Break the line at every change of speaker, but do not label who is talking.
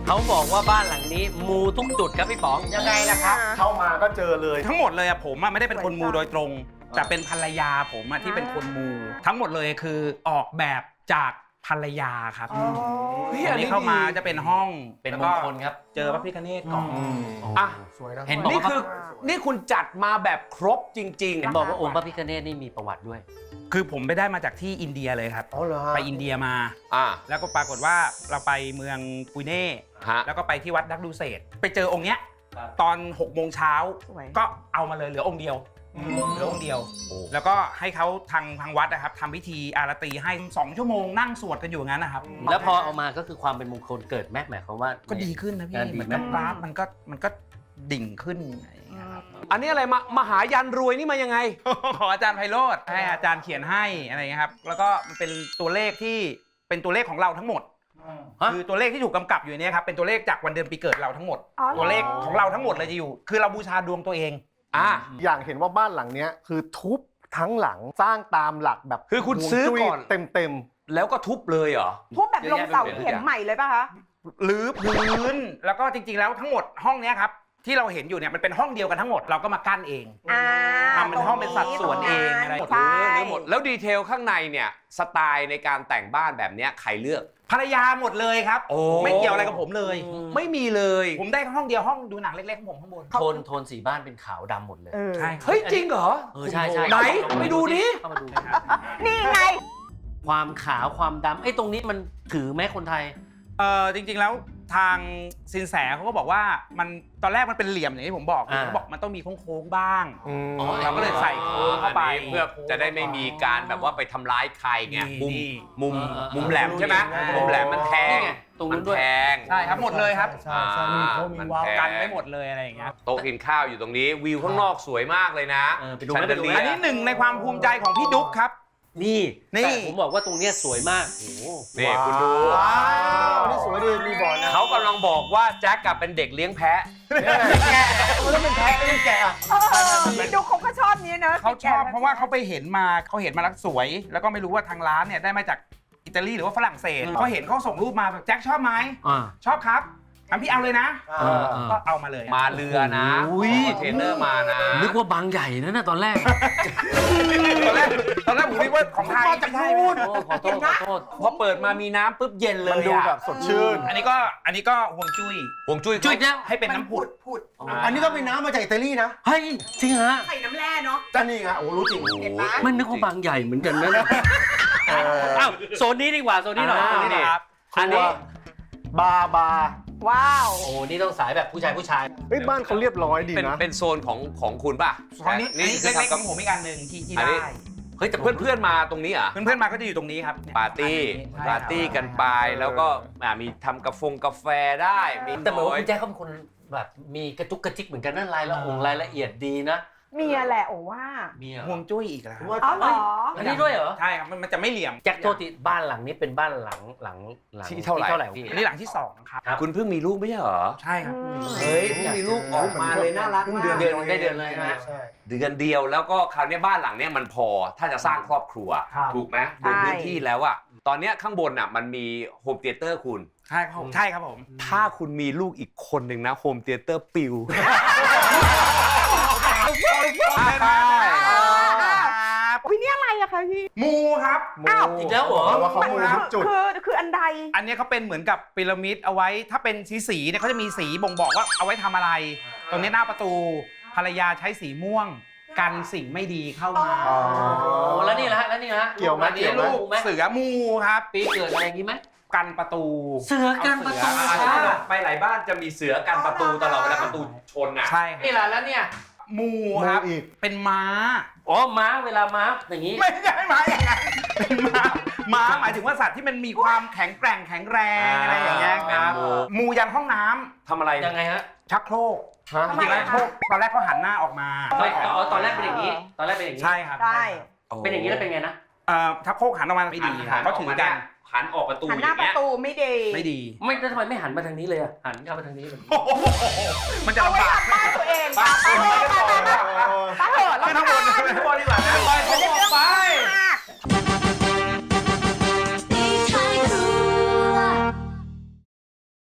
เขาบอกว่าบ้านหลังนี้มูทุกจุดครับพี่ป๋องยังไงล่ะครับ
เข้ามาก็เจอเลย
ทั้งหมดเลยอะผมอะไม่ได้เป็นคนมูโดยตรง แต่เป็นภรรยาผมอะที่เป็นคนมูทั้งหมดเลยคือออกแบบจากภรรยาครับอันนี้เข้ามาจะเป็นห้อง
เป็นมงคลครับ
เจอพระพิฆเนศก่อน
อ่ะ
สวยนะ
เห็นบอก
นี่
ว่า
คือนี่คุณจัดมาแบบครบจริง
เห็นบอกว่าองค์พระพิฆเนศนี่มีประวัติด้วย
คือผมไปได้มาจากที่อินเดียเลยครับ
อ๋อเหรอ
ไปอินเดียมา
อ่า
แล้วก็ปรากฏว่าเราไปเมืองปุยเน่
ฮะ
แล้วก็ไปที่วัดดักดูเศษไปเจอองค์เนี้ย
ครับ
ตอน6 โมงเช้า
สวย
ก็เอามาเลยเหลือองค์เดียวเหลือองค์เดียว แล้วก็ให้เขาทางวัดนะครับทำพิธีอารตีให้2 ชั่วโมงนั่งสวดกันอยู่อย่างนั้นนะครับ
แล้วพอเอามาก็คือความเป็นมงคลเกิดแม่หมายความว่า
ก็ดีขึ้นนะพี่
งานดี
เหมือน
ไหม
กับกราฟมันก็ดิ่งขึ้นอะไรอย่างเงี้ยครับ
ๆ อันนี้อะไรมหายันรวยนี่มายังไง
ขออาจารย์ไพโรธให้อาจารย์เขียนให้อะไรอย่างเงี้ยครับแล้วก็มันเป็นตัวเลขที่เป็นตัวเลขของเราทั้งหมด
ฮะ
คือตัวเลขที่ถูกกำกับอยู่ในเนี่ยครับเป็นตัวเลขจากวันเดือนปีเกิดเราทั้งหมด
อ๋อเหรอ
ตัวเลขของเราทั้งหมดเลยจะอยู่ คือเราบูชาดวงตัวเอง
อ่ะ
อย่างเห็นว่าบ้านหลังเนี้ยคือทุบทั้งหลังสร้างตามหลักแบบ
คือคุณซื้อก่อน
เต็ม
แล้วก็ทุบเลยเหรอ
ทุบแบบลงเสาเข็มใหม่เลยป่ะคะ
หรือพื้นแล้วก็จริงๆแล้วทั้งหมดห้องเนี้ยครับที่เราเห็นอยู่เนี่ยมันเป็นห้องเดียวกันทั้งหมดเราก็มากั้นเอง ทำเป็นห้องเป็นสัดส่วนเองอะไร
ใช่
หรือหมดแล้วดีเทลข้างในเนี่ยสไตล์ในการแต่งบ้านแบบเนี้ยใครเลือก
ภรรยาหมดเลยครับ
โอ้
ไม่เกี่ยวอะไรกับผมเลย
ไม่มีเลย
ผมได้ห้องเดียวห้องดูหนังเล็กๆของผมข้างบน
โทนสีบ้านเป็นขาวดำหมดเลย
ใช่ครับ
เฮ้ยจริงเหรอ
ใช่ใช่
ไหนไปดูดิ
เข้ามาดู
นี่ไง
ความขาวความดำไอ้ตรงนี้มันถือไหมคนไทย
จริงๆแล้วทางสินแสเขาก็บอกว่ามันตอนแรกมันเป็นเหลี่ยมอย่างที่ผมบอก
อ่า
เขาบอกมันต้องมีโค้งๆบ้าง
ๆอืม
เราก็เลยใส่โค้งเข้าไป
อันนี้เพื่อจะได้ไม่มีการแบบว่าไปทำร้ายใครไง
นี่
มุมแหลมใช่ไหมมุมแหลมมันแทง
นี่ไงตรงนู้นด้วย
มัแทง
ใช่ครับหมดเลยครับ
ใช่ใช่มีโค้งมีวาล์ว
กันไม่หมดเลยอะไรอย่างเงี้ย
โต๊ะกินข้าวอยู่ตรงนี้วิวข้างนอกสวยมากเลยนะ
ไปดูไหมไปดูไหม
อันนี้หนึ่งในความภูมิใจของพี่ดุ๊กครับ
นี่
นี่
แต่ผมบอกว่าตรงเนี้ยสวยมากโอ้โห
นี่คุณดู
ว้าวนี่สวยดีมีบ่อนะ
เขากำลังบอกว่าแจ็คกับเป็นเด็กเลี้ยงแพะ
แกะมันต้องเป็นแพะไม่ใช่แกะอะ
พี่ดูเขาก็ชอบนี้เนอะ
เขาชอบเพราะว่าเขาไปเห็นมาแล้วสวย แล้วก็ไม่รู้ว่าทางร้านเนี่ยได้มาจากอิตาลีหรือว่าฝรั่งเศสเขาเห็นเขาส่งรูปมาแบบแจ็คชอบไหม
อ่า
ชอบครับงั้นพี่เอาเลยนะ
เออ
ก็เอามาเลย
มาเรือนะ
อุ้ย
เทรนเนอร์มานะ
นึกว่าบางใหญ่นะน่ะตอนแรก
ตอนแรกผมนึกว่าของไทยไม่ใช่
โอ้ขอโทษขอโทษ
พอเปิดมามีน้ำปุ๊บเย็นเล
มัน
ย
ดู
อะ
แบบสดชื่น
อันนี้ก็ห่วงจุ้ย
ห่วงจุ้ย
จุดแล้ว
ให้เป็นน้ำผุด
อันนี้ก็เป็นน้ำมาจากอิตาลีนะ
เฮ้ยจริงฮะ
ใส่น้ำแร่เนาะ
จ้านี่ไงโอ้รู้จริง
เห็นไหม
มันนึกว่าบางใหญ่เหมือนกันนะอ้าวโซนนี้ดีกว่าโซนนี้หน่อย
อ่า
โซนนี้หน่อย
ครับ
อันนี้
บาร์
ว้าว
โอ้นี่ต้องสายแบบผู้ชาย
เฮ้ยบ้านเขาเรียบร้อยดี
เป็น
นะ
เป็นโซนของคุณป่ะ
ตอนนี้อันนี้
คือ
เล็กๆ
ทำ
ข
กับ
องผมอีกอันหนึ่งที่
อันนี้
ได้
เฮ้ยแต่
เพื่อนๆมาตรงนี้เหรอ่ะ
เพื่อนๆมาก็จะอยู่ตรงนี้ครับเนี่ย
ปาร์ตี้
ใช่
ปาร์ตี้กันไปแล้วก็มีทำกาแฟได้มี
แต่เหมือนว่าคุณแจ๊คเขาเป็นคนแบบมีกระจุกกระจิกเหมือนกันนั่นรายละเอียดดีนะ
เมียแหละโอ้ว่า
มีเหรอ
ห่วงจุ้ยอีกแล้ว
อ๋อเหรอ
อันนี้ด้วยเหรอ
ใช่ครับมันจะไม่เหลี่ยม
แจ็คโทษทีบ้านหลังนี้เป็นบ้านหลัง
ที่เท่าไหร่
พี่
อันนี้หลังที่สองครับ
คุณเพิ่งมีลูกไม่ใช่เหรอ
ใช่ครับ
เฮ้ยเพิ่งมีลูกออกมาเลยน่ารักมาก
เดือนได้เดือนเลยนะ
ใช่
เดือนเดียวแล้วก็คราวนี้บ้านหลังเนี้ยมันพอถ้าจะสร้างครอบครัว
ครับ
ถูกไหมดูพื้นที่แล้วอะตอนเนี้ยข้างบนอะมันมีโฮมเธียเตอร์คุณ
ใช่ครับผมใช่ครับผม
ถ้าคุณมีลูกอีกคนหนึ่งนะโฮมเธียเตอร์ปิว
ใช่
วินี่อะไรอะคะพี่
มูครับ
อ้าว
อีกแล้วเหรอ
เพราะว่าเขามูทุกจุด
คืออันใด
อันนี้เขาเป็นเหมือนกับพีระมิดเอาไว้ถ้าเป็นสีเนี่ยเขาจะมีสีบ่งบอกว่าเอาไว้ทำอะไร ตรงนี้หน้าประตูภรรยาใช้สีม่วง กันสิ่งไม่ดีเข้ามา
อ๋อ
โอ้แล้วนี่ละฮะแล้วนี่ละฮะ
เกี่ยวไหม
อันนี้
เกี่ยวไหม
ลูกไหม
เสือมูครับ
ปีเกิดอะไรอย่างงี้ไหม
กันประตู
เสือกันประตู
เอาเสือ
ค่ะ
ไปหลายบ้านจะมีเสือกันประตูตลอดเวลาประตูชนอ่ะ
ใช่ครับ
นี่ละแล้วเนี่ย
มูครับ
มูอีก
เป็นม้า
อ๋อม้าเวลาม้าอย่างงี้
ไม่ใช่ม้าอย่างนั้นเป็นม้าหมายถึงว่าสัตว์ที่มันมีความแข็งแกร่งแข็งแรงอะไรอย่างเงี้ยครับ มูยันห้องน้ำ
ทำอะไร
ยังไงฮะ
ชักโครก
ฮะ
จริงๆแล้วชักโครกตอนแรกเขาหันหน้าออกมา
ตอนแรกเป็นอย่างนี้ ตอนแรกเป็นอย่างนี้
ใช่ครับ
ใช่
เป็นอย่างนี้แล้วเป็นไงนะ
ชักโครกหันออกมาไม่ดีเขาถือกัน
หันออกประตู
หัน
อ
หน้า
ย่าง
ประ
เงี้ย
ตูไม่ดี
ไม่ดี
ไม่แล้วทำไมไม่หันมาทางนี้เลยอะหันเข้ามาทางนี้เลย
มันจะ
เอา
ลำ
ไว้
บาก
ทำบ้านตัวเองป้าเถอะ
ขึ้นข้างบนขึ้นข้างบนดีกว่า
เดี๋ยว